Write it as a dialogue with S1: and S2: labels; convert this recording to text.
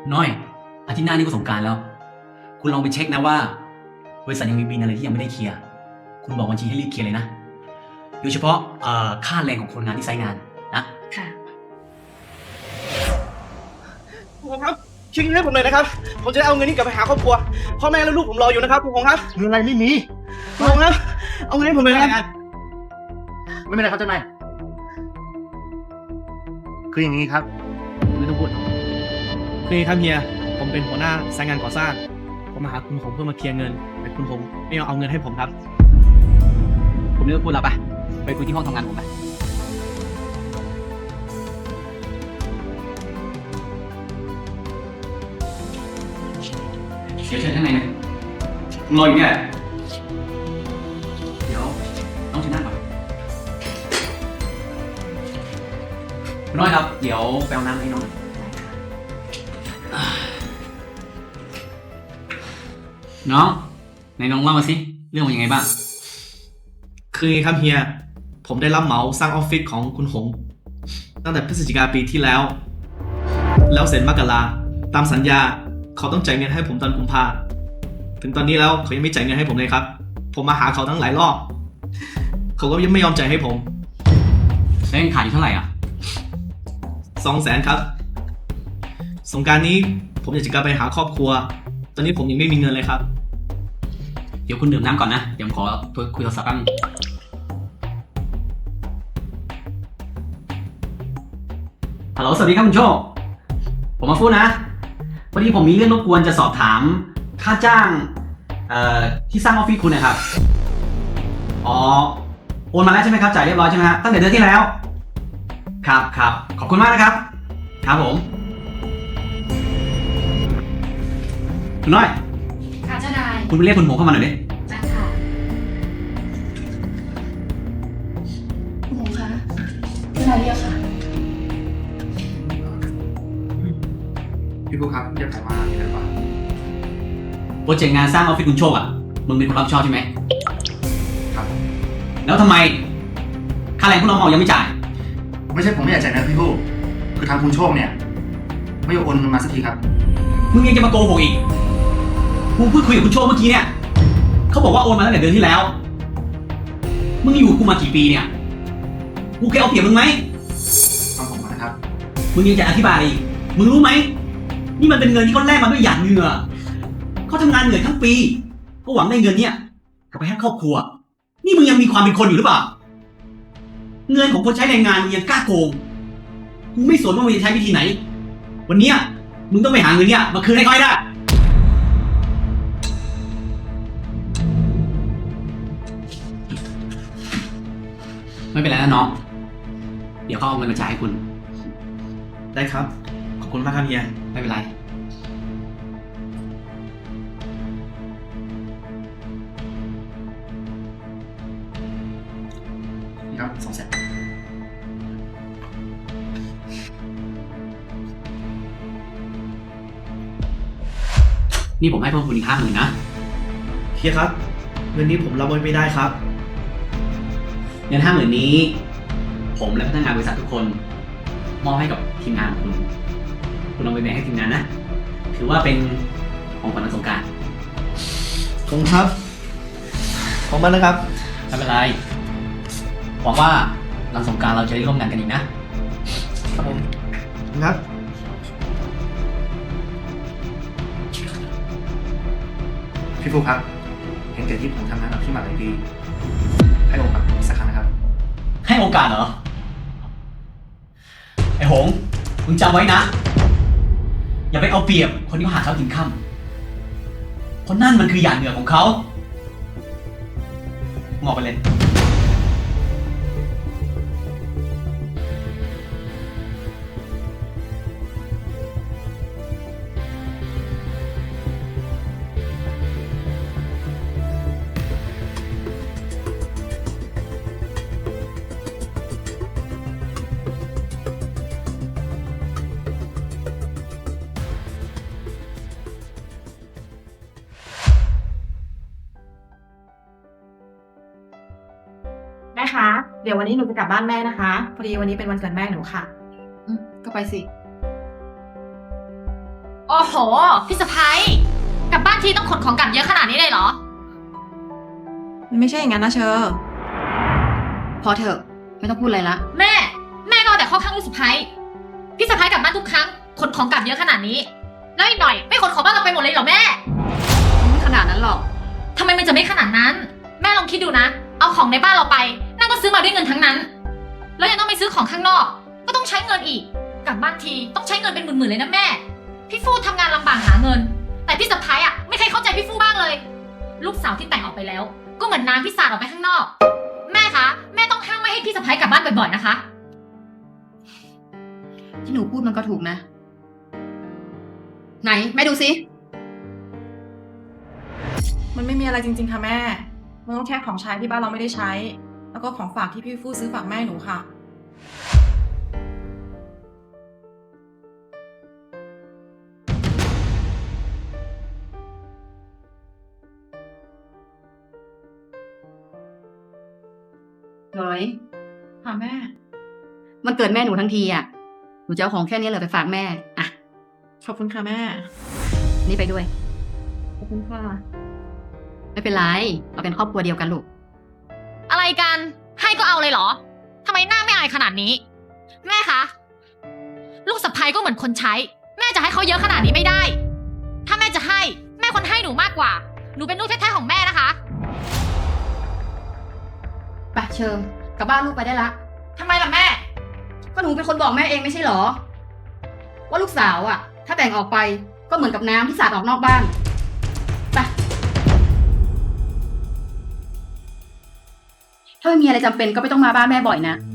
S1: น้อยอาทิตย์หน้านี่ก็สงกรานต์แล้ว คุณลองไปเช็คนะว่าบริษัทยังมีบินอะไรที่ยังไม่ได้เคลียร์คุณบอกบัญชีให้รีบเคลียร์เลยนะโดยเฉพาะค่าแรงของคนงานที่ไซต์งานนะ
S2: ค่ะ
S3: คุณพงษ์ครับช่วยเงินให้ผมหน่อยนะครับผมจะได้เอาเงินนี้กลับไปหาครอบครัวพ่อแม่และลูกผมรออยู่นะครับคุณพงษ์ครับ
S4: เงินอะไรไม่มี
S3: คุณพงษ์ครับเอาเงินให้ผมหน่อยนะครับ
S4: ไม่เป็นไรครับเจ้านายคืออย่างนี้ครับไม่ต้องพูด
S3: คือครับเฮียผมเป็นหัวหน้าสายงานก่อสร้างผมมาหาคุณพงษ์เพื่อมาเคลียร์เงินแต่คุณพงษ์ไม่เอาเงินให้ผมครับ
S1: ผมเลิกพูดแล้วไปคุยที่ห้องทำงานผมไปเดี๋ยวเชิญข้างในนะรออยู่เนี่ยเดี๋ยวน้องเชิญนั่งก่อนคุณน้อยครับเดี๋ยวไปเอาน้ำให้น้องหน่อยน้องไหนน้องเล่ามาสิเรื่องมันยังไงบ้าง
S3: คืออย่างนี้ครับเฮียผมได้รับเหมาสร้างออฟฟิศของคุณหงตั้งแต่พฤศจิกาปีที่แล้วเสร็จมกราตามสัญญาเขาต้องจ่ายเงินให้ผมตอนกุมภาถึงตอนนี้แล้วเขายังไม่จ่ายเงินให้ผมเลยครับผมมาหาเขาทั้งหลายรอบเขาก็ยังไม่ยอมจ่ายให้ผม
S1: แล้วยังขาดอยู่เท่าไหร่อ่ะ
S3: 200,000ครับสงกรานต์นี้ผมอยากจะกลับไปหาครอบครัว ตอนนี้ผมยังไม่มีเงินเลยครับ
S1: เดี๋ยวคุณดื่มน้ำก่อนนะ เดี๋ยวผมขอคุยโทรศัพท์แป๊บนึงฮัลโหล สวัสดีครับคุณโชค ผมมาพูดนะ พอดีผมมีเรื่องรบกวนจะสอบถามค่าจ้างที่สร้างออฟฟิศคุณนะครับ อ๋อ โอนมาแล้วใช่ไหมครับ จ่ายเรียบร้อยใช่ไหมฮะตั้งแต่เดือนที่แล้ว ครับครับ ขอบคุณมากนะครับ ครับผม คุณน้อย
S2: ค่ะเจ้านาย
S1: คุณไปเรียกคุณหงเข้ามาหน่อยดิ
S2: จ้าค่ะคุณหงคะเจ้านายเรียกค่ะ
S4: พี่ผู้ครับจะถามว่ามีอะไรบ้าง
S1: โปรเจกต์งานสร้างออฟฟิศคุณโชคอ่ะ มึงเป็นคนรับผิดชอบใช่ไหม
S4: ครับ
S1: แล้วทำไม ค่าแรงพวกน้องยังไม่จ่าย
S4: ไม่ใช่ผมไม่อยากจ่ายนะพี่ผู้คือทางคุณโชคเนี่ยไม่ยอมโอนเงินมาสักทีครับ
S1: มึงยังจะมาโกหกอีก กูพูดคุยกับคุณโชคเมื่อกี้เนี่ย เขาบอกว่าโอนมาตั้งแต่เดือนที่แล้ว มึงอยู่กับกูมากี่ปีเนี่ย กูเคยเอาเปรียบมึงไหม
S4: ฟังผมก่อนนะครับ
S1: มึงยังจะอธิบายอีก มึงรู้ไหม นี่มันเป็นเงินที่เขาแลกมาด้วยหยาดเหงื่อเขาทำงานเหนื่อยทั้งปี ก็หวังได้เงินเนี่ยกลับไปให้ครอบครัว นี่มึงยังมีความเป็นคนอยู่หรือเปล่า เงินของคนใช้แรงงานมึงยังกล้าโกง กูไม่สนว่ามึงจะใช้วิธีไหน วันเนี้ยมึงต้องไปหาเงินเนี่ยมาคืนให้เขาให้ได้ ไม่เป็นไรนะน้อง เดี๋ยวเขาเอาเงินมาจ่ายให้คุณ
S3: ได้ครับ ขอบคุณมากครับเฮีย
S1: ไม่เป็นไร
S4: นี่ครับ200,000
S1: นี่ผมให้เพิ่มคุณอีก50,000นะ
S3: เฮียครับ เงินนี้ผมรับไว้ไม่ได้ครับ
S1: เงิน50,000นี้ ผมและพนักงานบริษัททุกคน มอบให้กับทีมงานของคุณ คุณเอาไปแบ่งให้ทีมงานนะ ถือว่าเป็นของขวัญวันสงกรานต์
S3: ขอบคุณครับ ขอบคุณมากนะครับ
S1: ไม่เป็นไร หวังว่าหลังสงกรานต์เราจะได้ร่วมงานกันอีกนะ
S3: ครับผมครับ
S4: พี่ผู้ครับเห็นแต่ที่ผมทำงานกับพี่มาหลายปีให้โอกาสผมอีกสักครั้งนะครับ
S1: ให้โอกาสเหรอ ไอ้หง มึงจำไว้นะ อย่าไปเอาเปรียบคนที่เขาหาเช้ากินค่ำเพราะนั่นมันคือหยาดเหงื่อของเขางอกไปเลย
S2: แม่คะ เดี๋ยววันนี้หนูจะกลับบ้านแม่นะคะ พอดีวันนี้เป็นวันเกิดแม่หนูค่ะ
S5: ก็ไปสิ
S2: อ๋อ
S5: โหพี่สะพ้ายกลับบ้านทีต้องขนของกลับเยอะขนาดนี้เลยเหรอ
S2: มันไม่ใช่อย่างนั้นนะเชอ
S6: พอเถอะไม่ต้องพูดอะไรละ
S5: แม่ก็เอาแต่เข้อข้างลูกสะพ้ายพี่สะพ้ายกลับบ้านทุกครั้งขนของกลับเยอะขนาดนี้ แล้วอีกหน่อยไม่ขนของบ้านเราไปหมดเลยเหรอแม่
S6: ไม่ขนาดนั้นหรอก
S5: ทำไมมันจะไม่ขนาดนั้น แม่ลองคิดดูนะ เอาของในบ้านเราไปนั่นก็ซื้อมาด้วยเงินทั้งนั้น แล้วยังต้องไปซื้อของข้างนอก ก็ต้องใช้เงินอีก กลับบ้านทีต้องใช้เงินเป็นหมื่นๆเลยนะแม่ พี่ฟู่ทำงานลำบากหาเงิน แต่พี่สะพ้ายไม่เคยเข้าใจพี่ฟู่บ้างเลย ลูกสาวที่แต่งออกไปแล้ว ก็เหมือนน้ำที่สาดออกไปข้างนอก แม่คะแม่ต้องห้ามไม่ให้พี่สะพ้ายกลับบ้านบ่อยๆนะคะ
S6: ที่หนูพูดมันก็ถูกนะ ไหนแม่ดูสิ
S2: มันไม่มีอะไรจริงๆค่ะแม่ มันก็แค่ของใช้ที่บ้านเราไม่ได้ใช้ แล้วก็ของฝากที่พี่ฟู่ซื้อฝากแม่หนูค่ะ
S6: หน่อย
S2: ค่ะแม่
S6: มันเกิดแม่หนูทั้งทีอ่ะ หนูจะเอาของแค่นี้เลยไปฝากแม่ อ่ะ
S2: ขอบคุณค่ะแม่
S6: นี่ไปด้วย
S2: ขอบคุณค่ะ
S6: ไม่เป็นไร เราเป็นครอบครัวเดียวกันลูก
S5: อะไรกันให้ก็เอาเลยเหรอทำไมหน้าไม่อายขนาดนี้ แม่คะลูกสะใภ้ก็เหมือนคนใช้ แม่จะให้เขาเยอะขนาดนี้ไม่ได้ ถ้าแม่จะให้แม่ควรให้หนูมากกว่า หนูเป็นลูกแท้ๆของแม่นะคะ
S6: ไปเชิญกลับบ้านลูกไปได้ละ
S5: ทำไมล่ะแม่
S6: ก็หนูเป็นคนบอกแม่เองไม่ใช่เหรอ ว่าลูกสาวอ่ะ ถ้าแต่งออกไปก็เหมือนกับน้ำที่สาดออกนอกบ้าน ไป ถ้าไม่มีอะไรจำเป็นก็ไม่ต้องมาบ้านแม่บ่อยนะ